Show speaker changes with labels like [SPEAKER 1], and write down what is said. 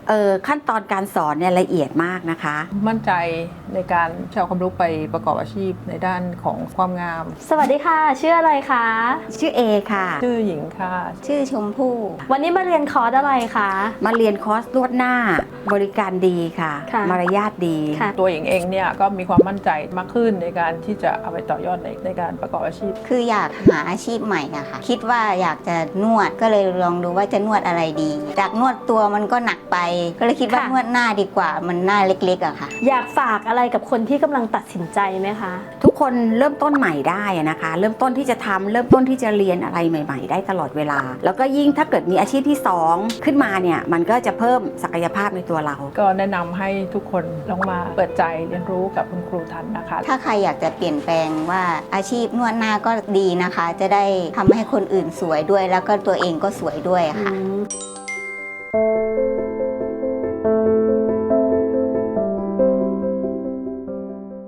[SPEAKER 1] ขั้นตอนการสอนเนี่ยละเอียดมากนะคะ
[SPEAKER 2] มั่นใจในการใช้ความรู้ไปประกอบอาชีพในด้านของความงาม
[SPEAKER 3] สวัสดีค่ะชื่ออะไรคะ
[SPEAKER 1] ชื่อเอค่ะ
[SPEAKER 2] ชื่อหญิงค่ะ
[SPEAKER 4] ชื่อชมพู่
[SPEAKER 3] วันนี้มาเรียนคอร์สอะไรคะ
[SPEAKER 1] มาเรียนคอร์สนวดหน้าบริการดีค่ะ
[SPEAKER 3] ค่ะ
[SPEAKER 1] มารยาทดี
[SPEAKER 3] ค่ะ
[SPEAKER 2] ตัวหญิงเองเนี่ยก็มีความมั่นใจมากขึ้นในการที่จะเอาไปต่อยอดในการประกอบอาชีพ
[SPEAKER 4] คืออยากหาอาชีพใหม่อะค่ะ คิดว่าอยากจะนวดก็เลยลองดูว่าจะนวดอะไรดี จากนวดตัวมันก็หนักไป ก็เลยคิดว่า
[SPEAKER 3] ค่ะ
[SPEAKER 4] นวดหน้าดีกว่ามันหน้าเล็กๆอะค่ะ
[SPEAKER 3] อยากฝากอะไรกับคนที่กำลังตัดสินใจไหมคะ
[SPEAKER 1] ทุกคนเริ่มต้นใหม่ได้อะนะคะ เริ่มต้นที่จะทำเริ่มต้นที่จะเรียนอะไรใหม่ ๆ ได้ตลอดเวลา แล้วก็ยิ่งถ้าเกิดมีอาชีพที่2ขึ้นมาเนี่ยมันก็จะเพิ่มศักยภาพในตัวเรา
[SPEAKER 2] ก็แนะนำให้ทุกคนลองมาเปิดใจเรียนรู้กับคุณครูทันนะคะ
[SPEAKER 4] ถ้าใครอยากจะเปลี่ยนแปลงว่าอาชีพนวดหน้าก็ดีนะคะ จะได้ทำให้คนอื่นสวยด้วย แล้วก็ตัวเองก็สวยด้วยค่ะ
[SPEAKER 3] อืม